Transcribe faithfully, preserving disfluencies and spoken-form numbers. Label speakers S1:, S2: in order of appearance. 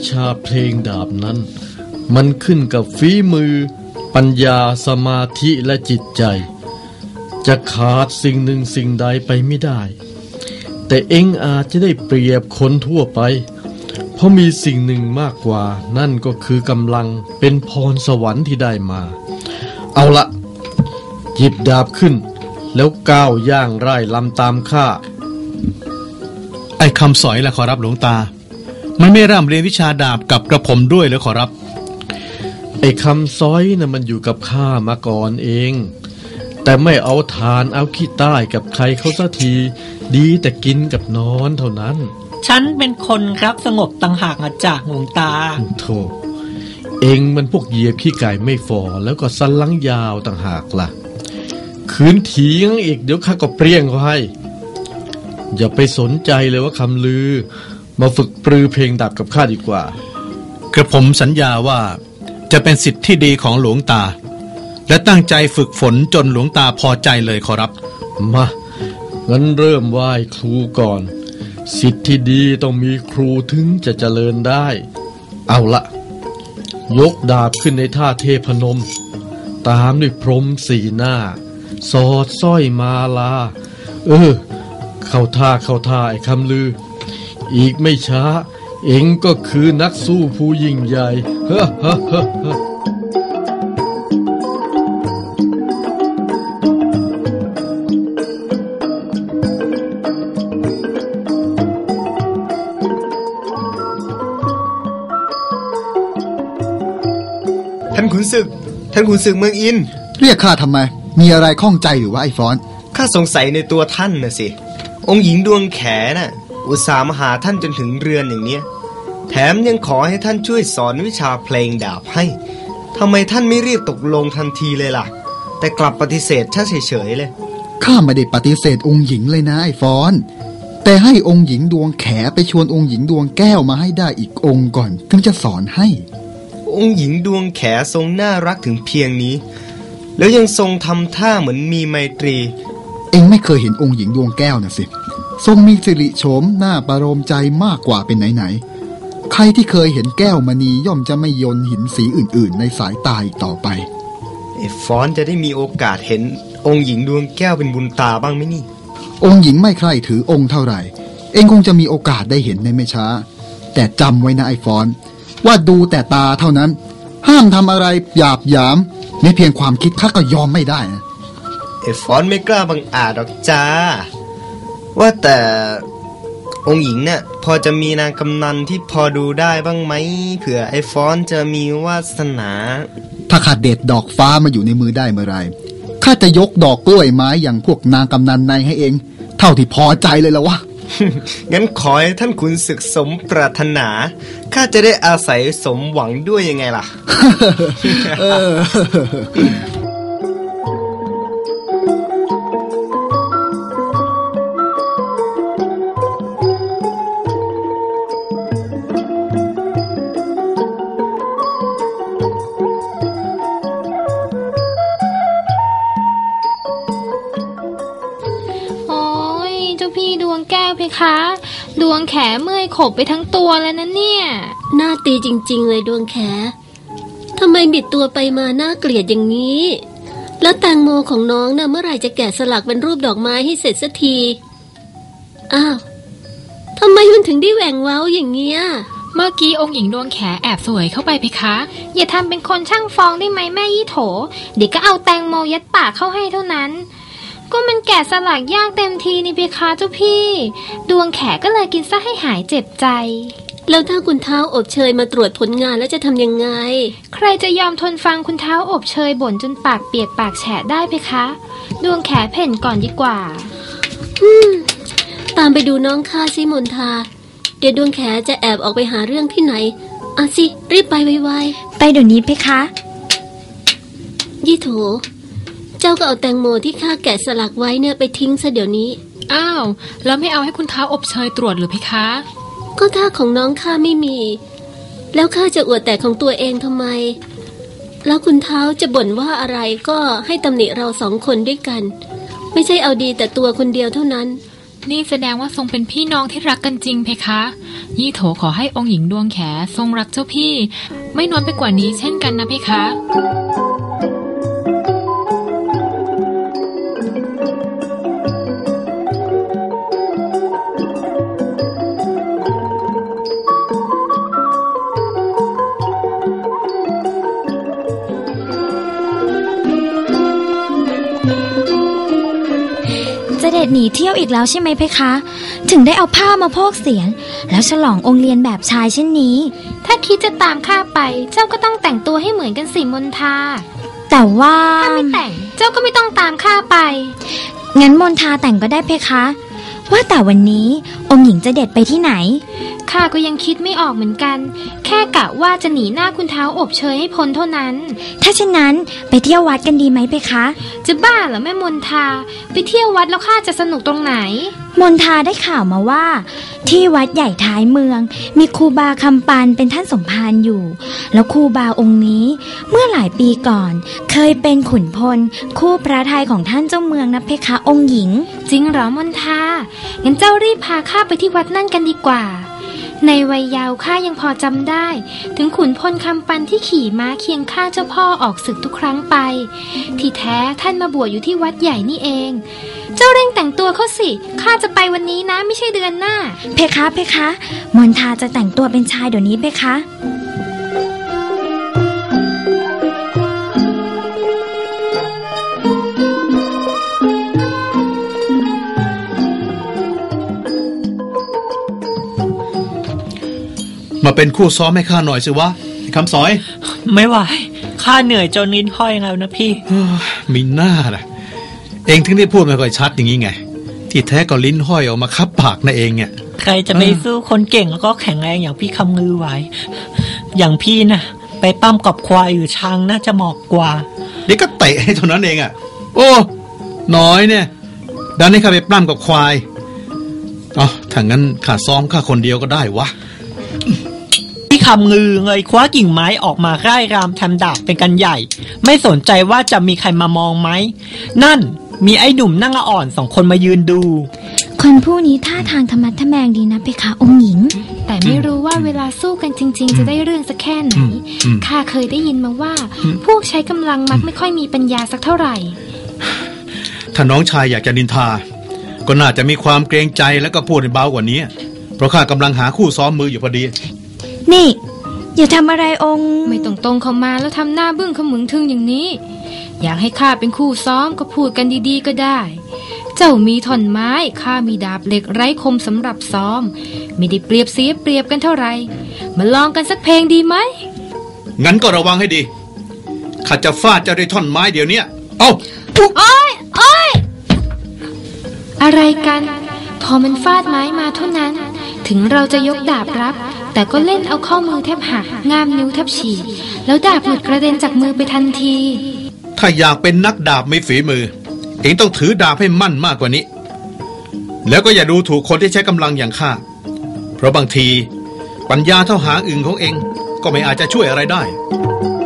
S1: ชาเพลงดาบนั้นมันขึ้นกับฝีมือปัญญาสมาธิและจิตใจจะขาดสิ่งหนึ่งสิ่งใดไปไม่ได้แต่เอ็งอาจจะได้เปรียบคนทั่วไปเพราะมีสิ่งหนึ่งมากกว่านั่นก็คือกำลังเป็นพรสวรรค์ที่ได้มาเอาละหยิบดาบขึ้นแล้วก้าวย่างไร่ลำตามข้า
S2: ไอ้คำสอยล่ะขอรับหลวงตามันไม่ร่ำเรียนวิชาดาบกับกระผมด้วยหรือขอรับ
S1: ไอ้คำซ้อยน่ะมันอยู่กับข้ามาก่อนเองแต่ไม่เอาทานเอาขี้ใต้กับใครเขาสักทีดีแต่กินกับนอนเท่านั้น
S3: ฉันเป็นคนรักสงบต่างหากอาจารย์หลวงตา
S1: โธ่เองมันพวกเหยียบขี้ไก่ไม่ฝ่อแล้วก็สันหลังยาวต่างหากล่ะขืนเถียงอีกเดี๋ยวข้าก็เปรี้ยงเขาให้อย่าไปสนใจเลยว่าคำลือมาฝึกปรือเพลงดาบกับข้าดีกว่าก
S2: ระผมสัญญาว่าจะเป็นสิทธิ์ที่ดีของหลวงตาและตั้งใจฝึกฝนจนหลวงตาพอใจเลยขอรับ
S1: มางั้นเริ่มไหว้ครูก่อนสิทธิ์ที่ดีต้องมีครูถึงจะเจริญได้เอาละยกดาบขึ้นในท่าเทพนมตามด้วยพรหมสี่หน้าสอดสร้อยมาลาเออเข้าท่าเข้าท่าไอ้คำลืออีกไม่ช้าเอ็งก็คือนักสู้ผู้ยิ่งใหญ่เฮ้อเฮ้อเฮ้อเฮ้อ
S4: ท่านขุนศึกท่านขุนศึกเมืองอิน
S5: เรียกข้าทำไมมีอะไรข้องใจหรือว่าไอ้ฟอน
S4: ข้าสงสัยในตัวท่านน่ะสิองค์หญิงดวงแขน่ะอุตส่าห์มาหาท่านจนถึงเรือนอย่างเนี้ยแถมยังขอให้ท่านช่วยสอนวิชาเพลงดาบให้ทำไมท่านไม่รีบตกลงทันทีเลยล่ะแต่กลับปฏิเสธช้าเฉยๆเลย
S5: ข้าไม่ได้ปฏิเสธองค์หญิงเลยนะไอ้ฟอนแต่ให้องค์หญิงดวงแขไปชวนองค์หญิงดวงแก้วมาให้ได้อีกองค์ก่อนถึงจะสอนให้
S4: องค์หญิงดวงแขทรงน่ารักถึงเพียงนี้แล้วยังทรงทำท่าเหมือนมีไมตรี
S5: เอ็งไม่เคยเห็นองค์หญิงดวงแก้วนะสิทรงมีสิริโฉมหน้าประโลมใจมากกว่าเป็นไหนๆใครที่เคยเห็นแก้วมณีย่อมจะไม่โยนหินสีอื่นๆในสายตาอีกต่อไป
S4: ไอ้ฟอนจะได้มีโอกาสเห็นองค์หญิงดวงแก้วเป็นบุญตาบ้างไหมนี่
S5: องค์หญิงไม่ใคร่ถือองค์เท่าไหร่เอ็งคงจะมีโอกาสได้เห็นในไม่ช้าแต่จำไว้นะไอ้ฟอนว่าดูแต่ตาเท่านั้นห้ามทำอะไรหยาบหยามไม่เพียงความคิดข้าก็ยอมไม่ได้นะ
S4: ไอ้ฟอนไม่กล้าบังอาจหรอกจ้าว่าแต่องค์หญิงเนี่ยพอจะมีนางกำนันที่พอดูได้บ้างไหมเผื่อไอ้ฟอนจะมีวาสนา
S5: ถ้าข้าเด็ดดอกฟ้ามาอยู่ในมือได้เมื่อไรข้าจะยกดอกกล้วยไม้อย่างพวกนางกำนันในให้เองเท่าที่พอใจเลยละวะ
S4: งั้นขอให้ท่านขุนศึกสมปรารถนาข้าจะได้อาศัยสมหวังด้วยยังไงล่ะ
S6: คะดวงแขเมื่อยขบไปทั้งตัวแล้วนะเนี่ย
S7: หน้าตีจริงๆเลยดวงแขทำไมบิดตัวไปมาน่าเกลียดอย่างนี้แล้วแตงโมของน้องน่ะเมื่อไหร่จะแกะสลักเป็นรูปดอกไม้ให้เสร็จสักทีอ้าวทำไมมันถึงได้แหว่งเว้าอย่างเงี้ย
S6: เมื่อกี้องค์หญิงดวงแขแอบสวยเข้าไปเพคะอย่าทำเป็นคนช่างฟ้องได้ไหมแม่ยี่โถเดี๋ยวก็เอาแตงโมยัดปากเข้าให้เท่านั้นก็มันแกะสลักยากเต็มทีนี่เพคะเจ้าพี่ดวงแขก็เลยกินซะให้หายเจ็บใจ
S7: แล้วถ้าคุณเท้าอบเชยมาตรวจผลงานแล้วจะทำยังไง
S6: ใครจะยอมทนฟังคุณเท้าอบเชยบ่นจนปากเปียกปากแฉะได้เพคะดวงแขเพ่นก่อนดีกว่า
S7: อืมตามไปดูน้องข้าซิมนทาเดี๋ยวดวงแขจะแอบออกไปหาเรื่องที่ไหนอ่ะสิรีบไปไว
S6: ๆไปเดี๋ยวนี้เพคะ
S7: ยี่โถเจ้าก็เอาแตงโมที่ข้าแกะสลักไว้เนี่ยไปทิ้งซะเดี๋ยวนี้
S6: อ้าวแล้วไม่เอาให้คุณเท้าอบเชยตรวจหรือเพคะ
S7: ก็ถ้าของน้องข้าไม่มีแล้วข้าจะอวดแต่ของตัวเองทำไมแล้วคุณเท้าจะบ่นว่าอะไรก็ให้ตำหนิเราสองคนด้วยกันไม่ใช่เอาดีแต่ตัวคนเดียวเท่านั้น
S6: นี่แสดงว่าทรงเป็นพี่น้องที่รักกันจริงเพคะยี่โถขอให้องค์หญิงดวงแขทรงรักเจ้าพี่ไม่น้อยไปกว่านี้เช่นกันนะเพคะ
S8: เสด็จหนีเที่ยวอีกแล้วใช่ไหมเพคะถึงได้เอาผ้ามาโพกเสียนแล้วฉลององค์เลียนแบบชายเช่นนี้ถ้าคิดจะตามข้าไปเจ้าก็ต้องแต่งตัวให้เหมือนกันสิมนทาแต่ว่าถ้าไม่แต่งเจ้าก็ไม่ต้องตามข้าไปงั้นมนทาแต่งก็ได้เพคะว่าแต่วันนี้องค์หญิงจะเด็ดไปที่ไหนข้าก็ยังคิดไม่ออกเหมือนกันแค่กะว่าจะหนีหน้าคุณเท้าอบเชยให้พ้นเท่านั้นถ้าเช่นนั้นไปเที่ยววัดกันดีไหมเพคะจะบ้าเหรอแม่มนทาไปเที่ยววัดแล้วข้าจะสนุกตรงไหนมนทาได้ข่าวมาว่าที่วัดใหญ่ท้ายเมืองมีครูบาคำปานเป็นท่านสมภารอยู่แล้วครูบาองค์นี้เมื่อหลายปีก่อนเคยเป็นขุนพลคู่พระทัยของท่านเจ้าเมืองนะเพคะองค์หญิงจริงเหรอมนทางั้นเจ้ารีบพาข้าไปที่วัดนั่นกันดีกว่าในวัยเยาว์ข้ายังพอจำได้ถึงขุนพลคำปันที่ขี่ม้าเคียงข้างเจ้าพ่อออกศึกทุกครั้งไปที่แท้ท่านมาบวชอยู่ที่วัดใหญ่นี่เองเจ้าเร่งแต่งตัวเข้าสิข้าจะไปวันนี้นะไม่ใช่เดือนหน้าเพคะเพคะมนทาจะแต่งตัวเป็นชายเดี๋ยวนี้เพคะ
S2: มาเป็นคู่ซ้อมให้ข้าหน่อยสิวะคำสอย
S3: ไม่ไหวข้าเหนื่อยจนลิ้นห้อยแล้วนะพี่
S2: มีหน้าล่ะเองถึงได้พูดไม่ค่อยชัดอย่างนี้ไงที่แท้ก็ลิ้นห้อยออกมาคับปากนั่นเองเนี่ย
S3: ใครจะไปสู้คนเก่งแล้วก็แข็งแรงอย่างพี่คำงือไหวอย่างพี่น่ะไปปั้มกับควายหรือช้างน่าจะเหมาะกว่า
S2: เด็กก็เตะให้เท่านั้นเองอ่ะโอ้น้อยเนี่ยดันให้ข้าไปปั้มกับควายอ๋อถ้างั้นข้าซ้อมข้าคนเดียวก็ได้วะ
S3: พี่คำงือเงยคว้ากิ่งไม้ออกมาร่ายรำทำดาบเป็นกันใหญ่ไม่สนใจว่าจะมีใครมามองไหมนั่นมีไอ้หนุ่มนั่งอ่อนสองคนมายืนดู
S8: คนผู้นี้ท่าทางธรรมะทะแมงดีนะเพคะองค์หญิงแต่ไม่รู้ว่าเวลาสู้กันจริงๆจะได้เรื่องสักแค่ไหนข้าเคยได้ยินมาว่าพวกใช้กำลังมักไม่ค่อยมีปัญญาสักเท่าไหร่
S2: ถ้าน้องชายอยากจะนินทาก็น่าจะมีความเกรงใจแล้วก็พูดเบากว่านี้เพราะข้ากำลังหาคู่ซ้อมมืออยู่พอดี
S8: นี่อย่าทำอะไรองค์
S6: ไม่ต้องตรงเข้ามาแล้วทำหน้าบึ้งขมึงทึงอย่างนี้อยากให้ข้าเป็นคู่ซ้อมก็พูดกันดีๆก็ได้เจ้ามีท่อนไม้ข้ามีดาบเหล็กไร้คมสำหรับซ้อมไม่ได้เปรียบเสียเปรียบกันเท่าไหร่มาลองกันสักเพลงดีไหม
S2: งั้นก็ระวังให้ดีข้าจะฟาดเจ้าด้วยท่อนไม้เดี๋ยวนี้เอ้า
S8: โอ้ยโอ้ย
S6: อะไรกันพอมันฟาดไม้มาเท่านั้นถึงเราจะยกดาบรับแต่ก็เล่นเอาข้อมือแทบหักง่ามนิ้วแทบฉีกแล้วดาบหลุดกระเด็นจากมือไปทันที
S2: ถ้าอยากเป็นนักดาบไม่ฝีมือเองต้องถือดาบให้มั่นมากกว่านี้แล้วก็อย่าดูถูกคนที่ใช้กำลังอย่างข้าเพราะบางทีปัญญาเท่าหางอึ่งของเองก็ไม่อาจจะช่วยอะไรได้